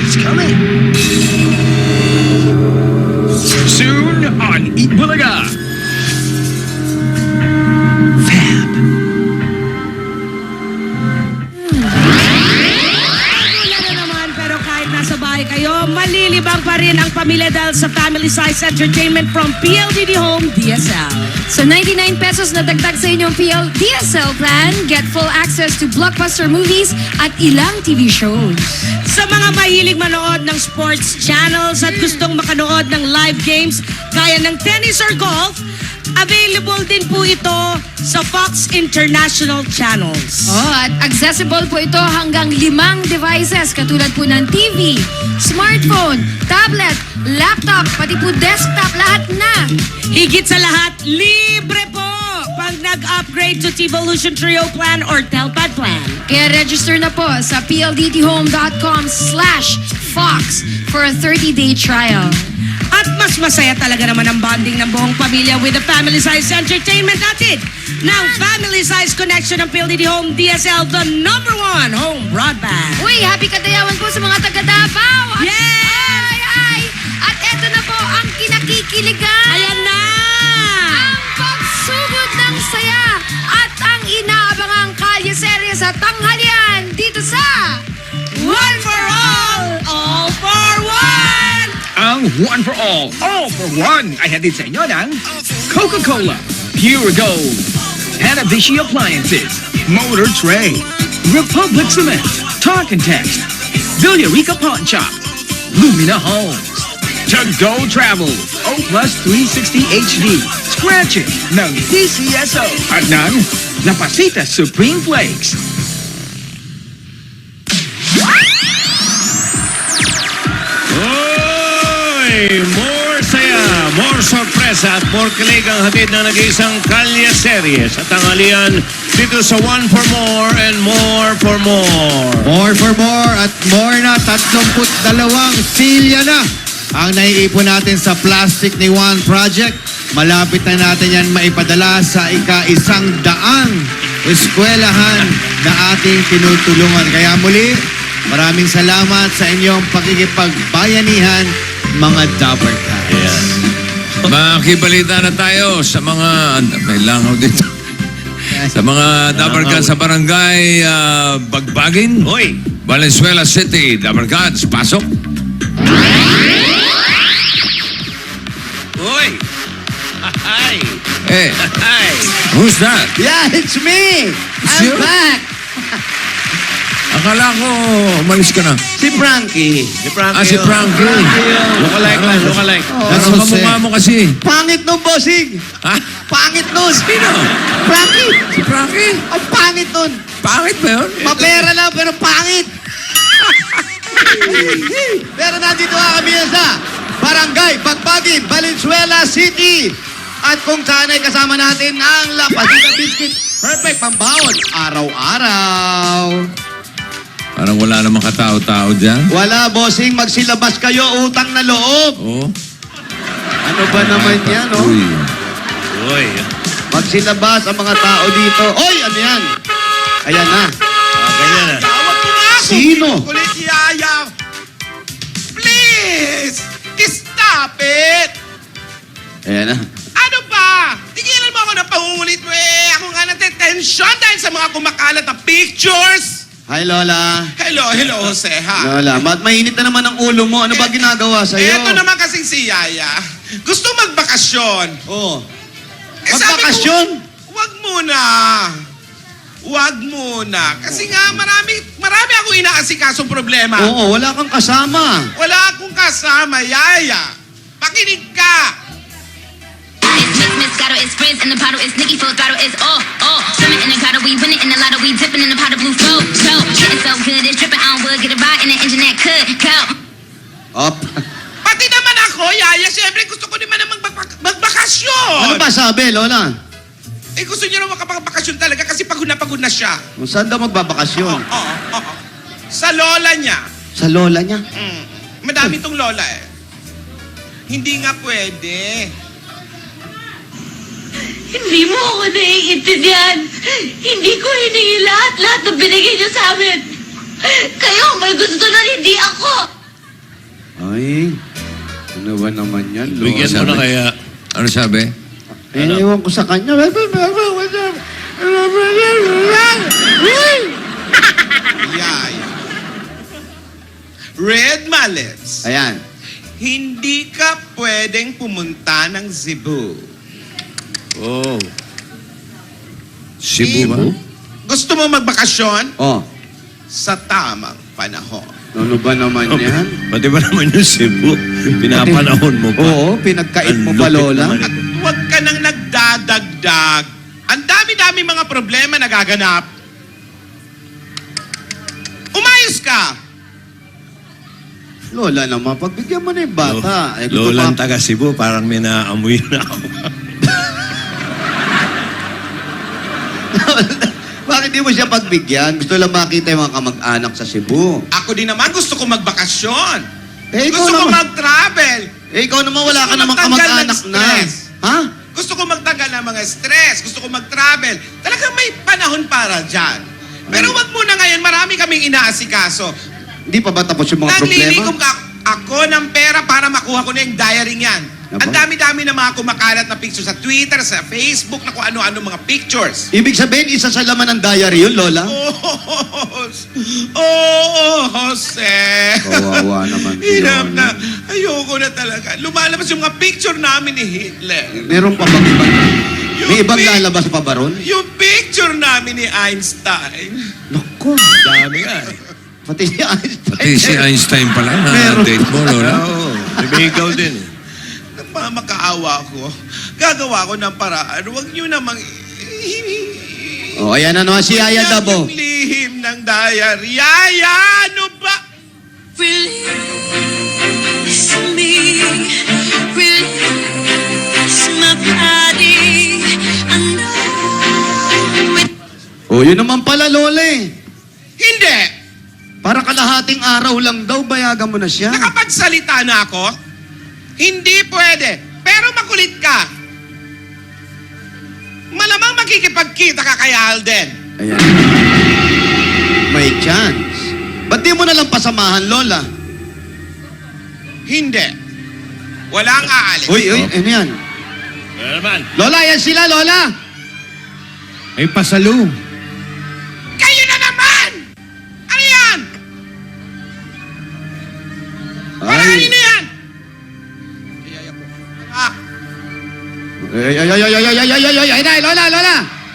It's coming. Soon on Eat Bulaga. Fab. Wala na naman, pero kahit nasa bahay kayo, malilibang pa rin ang pamilya dahil sa family size entertainment from PLDT Home DSL. So 99 pesos na dagdag sa inyong DSL plan, get full access to blockbuster movies at ilang TV shows. Sa mga mahilig manood ng sports channels at gustong makanood ng live games kaya ng tennis or golf, available din po ito sa Fox International Channels. Oh, at accessible po ito hanggang 5 devices katulad po ng TV, smartphone, tablet, laptop, pati po desktop, lahat na. Higit sa lahat, libre po pag nag-upgrade to T-Volution Trio Plan or Telpad Plan. Kaya register na po sa pldthome.com/fox for a 30-day trial. At mas masaya talaga naman ang bonding ng buong pamilya with the family size entertainment natin ng Family Size Connection ng PLDT Home DSL, the #1 home broadband. Uy, happy kadayawan po sa mga taga Davao. Yes! Ay! At eto na po ang kinakikiligan. Ayan na! Ang pagsugod ng saya at ang inaabangang kalye serye sa tanghalian dito sa One for all for one! Ang One for All for One ay hatid sa inyo ng Coca-Cola, Pure Gold, Hanabishi Appliances, Motor Tray, Republic Cement, Talk and Text, Villarica Pawn Shop, Lumina Homes, To Go Travel, O Plus 360 HD, Scratch It ng DCSO at ng La Pasita Supreme Flakes. More saya, more sorpresa at more kilig ang hatid na nag-iisang kalye serye sa tanghalian dito sa One for More and More for More. More for more at more na 32 silya na ang naiipon natin sa Plastic ni Juan Project. Malapit na natin yan maipadala sa ika-100 eskwelahan na ating tinutulungan. Kaya muli, maraming salamat sa inyong pakikipagbayanihan, mga Dapper Cats. Makibalita na tayo sa mga... May langaw dito. Sa mga Dapper Cats sa barangay Bagbagin. Hoy! Valenzuela City, Dapper Cats, pasok. Hoy! Hi! Eh, Hi! who's that? Yeah, it's me! It's I'm you? back! Akala ko umalis ka na. Si Frankie. Si Frankie. Si Frankie. Lookalike lang, lookalike. That's kamukha mo kasi. Pangit nun, bossing! Ha? Pangit nun! Sino? Frankie! Si Frankie? Ang pangit nun! Pangit ba yun? Mapera lang pero pangit! Pero nandito nga kami sa Barangay Bagbagin, Valenzuela City. At kung saan ay kasama natin ang La Pasita Biscuit. Perfect pambawon. Araw-araw. Parang wala namang katao-tao dyan. Wala, bossing. Magsilabas kayo. Utang na loob. Oo. Ano ba naman yan, oh? Uy. Hoy! Magsilabas ang mga tao dito. Oy, ano yan? Ayan na. Ganyan na. Tawag mo nga ako! Sino? Kulit yaya! Please! Stop it! Ayan na. Ano ba? Tigilan mo ako ng pangungulit mo eh! Ako nga natetensyon dahil sa mga kumakalat na pictures! Hi, Lola. Hello, Jose, ha? Lola, mainit na naman ang ulo mo. Ano ba ginagawa sa'yo? Eto naman kasing si Yaya. Gusto magbakasyon. Oh. Eh, sabi ko, Magbakasyon? Wag muna. Wag muna. Kasi nga marami akong inaasikasong problema. Oo, wala kang kasama. Wala akong kasama, Yaya. Pakinig ka. It's Miss Moscato, it's Frizz in the bottle, it's Nicki full throttle, it's all. Swimming in the grotto, we winning in the lotto, we dipping in the pot of blue flow. Getting so good, it's dripping on wood, get a ride in the engine that could go. Op. Pati naman ako, Yaya, siyempre gusto ko naman na magbakasyon. Ano ba sabi, Lola? Eh, gusto niya na makapagbakasyon talaga kasi pagod na siya. Kung saan daw magbabakasyon? Oo. Sa lola niya. Sa lola niya? Madami tong lola eh. Hindi nga pwede. Hindi mo ako naiintindihan. Hindi ko hiningi lahat ng binigay niyo sa amin. Kayo may gusto na hindi ako. Ay, ano ba naman yan, Bigyan mo na kaya. Ano sabi? Ewan ko sa kanya. Yay. Red Mallets. Ayan. Hindi ka pwedeng pumunta ng Cebu. Oh. Cebu ba? Gusto mo magbakasyon? Oh, Sa tamang panahon. ano ba naman yan? Pati ba naman yung Cebu? Pinapanahon mo pa. Oo, pinagkait mo Ang pa, lupit Lola. naman At huwag ka nang nagdadagdag. Ang dami-dami mga problema nagaganap. Umayos ka! Lola naman, pagbigyan mo na yung bata. Eh, gusto Lolang pa- taga Cebu, parang may naamoy na ako. Bakit di mo siya pagbigyan? Gusto lang makita yung mga kamag-anak sa Cebu. Ako din naman gusto ko magbakasyon. Eh, ikaw Gusto ko naman. mag-travel. Eh, ikaw naman wala Gusto ka ko namang magtanggal kamag-anak ng na. stress. Ha? Gusto ko magtanggal ng mga stress. Gusto ko mag-travel. Talagang may panahon para dyan. Pero wag muna ngayon, marami kaming inaasikaso. Hindi pa ba tapos yung mga problema? Naglilikom ako ng pera para makuha ko na yung diary niyan. Aba? Ang dami-dami na mga kumakalat na pictures sa Twitter, sa Facebook, na kung ano-ano mga pictures. Ibig sabihin, isa sa laman ng diary yun, Lola? Jose. Kawawa naman si Hirap Lola. na. Ayoko na talaga. Lumalabas yung mga picture namin ni Hitler. Meron pa bang ibang... Yung May ibang pic- lalabas pa ba ron? Yung picture namin ni Einstein. Naku, Dami nga eh. pati si Einstein. Pati si Einstein pala na Meron. date mo, Lola. Oo. May ikaw din eh. Nagmamakaawa ko. Gagawa ko ng paraan. Huwag nyo namang... Oh, ayan na naman si Yaya Dabo. Yung lihim ng diary. Yaya, ano ba? Release me, release my body. I know it. Oh, yun naman pala, Lola eh. Hindi. Para kalahating araw lang daw, bayagan mo na siya. Nakapagsalita na ako? Hindi pwede. Pero makulit ka. Malamang makikipagkita ka kay Alden. Ayan. May chance. Ba't di mo na lang pasamahan, Lola? Hindi. Walang aalis. Uy, ano yan? Ano naman? Lola, yan sila, Lola! Ay, pasalo. Kayo na naman! Ano yan? Parang na yan! Ah, Ay, Lola!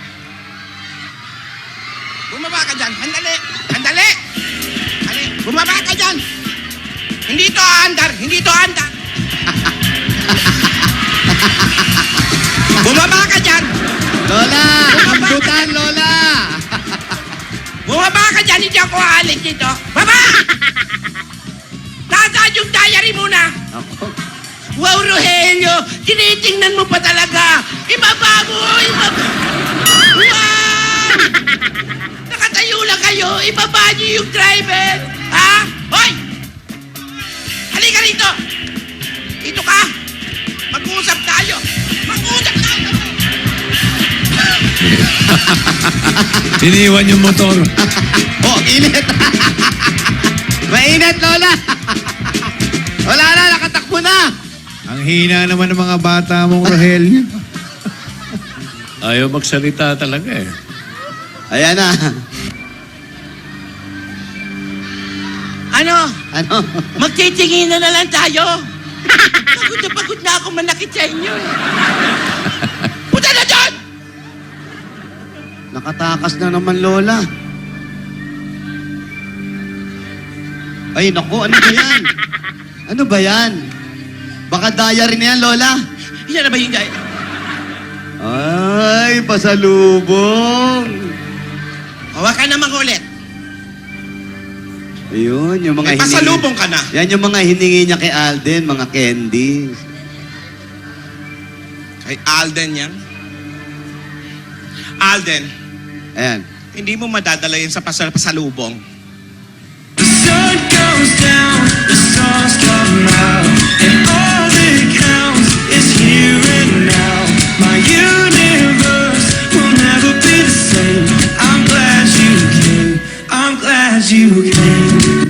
bumaba ka dyan. Handali! Handali! Handali! Bumaba ka dyan! Hindi to aandar! Hindi to aandar! Bumaba ka dyan! Lola! Kambutan, Lola! Bumaba ka dyan! Hindi ako aalis dito! Baba! Nasaan yung diary muna? Ako. Wow, Rogelio! Tinitingnan mo pa talaga! Ibaba mo! Ibaba! Wow! Nakatayo lang kayo! Ibaba niyo yung driver! Ha? Hoy! Halika rito! Dito ka! Mag-uusap tayo! Mag-uusap tayo! Iniwan yung motor. Oh, ang init! Mainit, Lola! Wala na, nakatakbo na! Ang hina naman ng mga bata mong Rogelio. Ayaw magsalita talaga eh. Ayan na. Ano? Ano? Magtitingin na lang tayo! Pagod na ako manakit sa inyo eh! Punta na dyan! Nakatakas na naman, Lola. Ay, naku, ano ba yan? Ano ba yan? Baka diary na yan, Lola. Yan na ba yung diary? Ay, pasalubong. Hawakan naman ulit. Ayun, yung mga May pasalubong ka na. Yan yung mga hiningi niya kay Alden, mga candies. Kay Alden yan? Alden, Ayan. hindi mo madadala yan sa pasalubong. The sun goes down, the stars come out, and all that counts is here and now. My universe will never be the same. I'm glad you came. I'm glad you came.